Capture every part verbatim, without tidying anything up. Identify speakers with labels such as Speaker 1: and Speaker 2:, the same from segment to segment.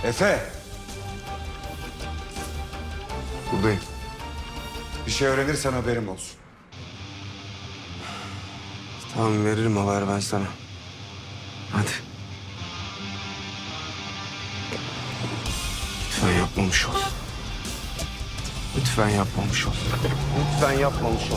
Speaker 1: Efe!
Speaker 2: Buradayım.
Speaker 1: Bir şey öğrenirsen haberim olsun.
Speaker 2: Tamam, veririm haber ben sana. Hadi. Lütfen yapmamış ol. Lütfen yapmamış ol. Lütfen yapmamış ol.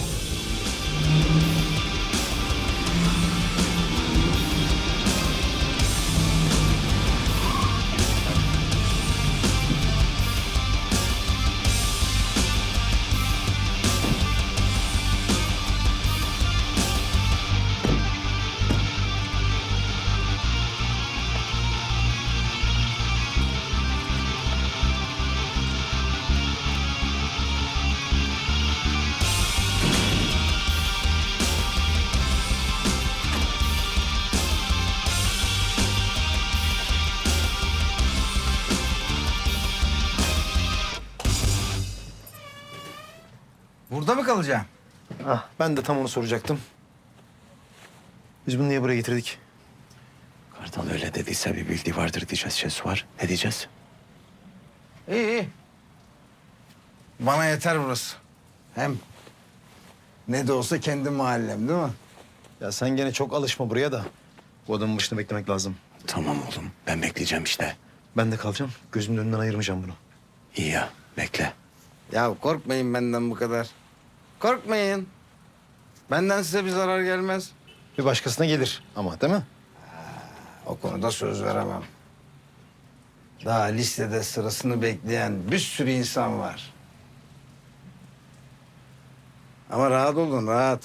Speaker 3: Burada mı kalacaksın?
Speaker 4: Ah, ben de tam onu soracaktım. Biz bunu niye buraya getirdik?
Speaker 5: Kartal öyle dediyse bir bildiği vardır diyeceğiz Şesu var. Ne diyeceğiz?
Speaker 3: İyi iyi. Bana yeter burası. Hem ne de olsa kendi mahallem değil mi?
Speaker 4: Ya sen gene çok alışma buraya da. Bu adamın başında beklemek lazım.
Speaker 5: Tamam oğlum ben bekleyeceğim işte.
Speaker 4: Ben de kalacağım. Gözümün önünden ayırmayacağım bunu.
Speaker 5: İyi ya bekle.
Speaker 3: Ya korkmayın benden bu kadar. Korkmayın. Benden size bir zarar gelmez.
Speaker 4: Bir başkasına gelir ama değil mi?
Speaker 3: O konuda söz veremem. Daha listede sırasını bekleyen bir sürü insan var. Ama rahat olun, rahat.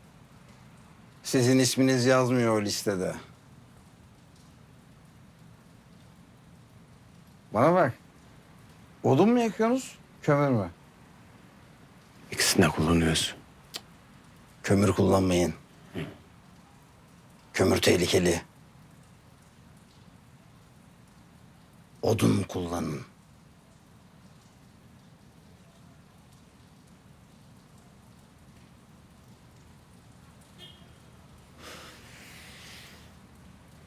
Speaker 3: Sizin isminiz yazmıyor o listede. Bana bak. Odun mu yakıyorsunuz, kömür mü?
Speaker 5: İkisini de kullanıyoruz.
Speaker 3: Kömür kullanmayın. Kömür tehlikeli. Odun kullanın.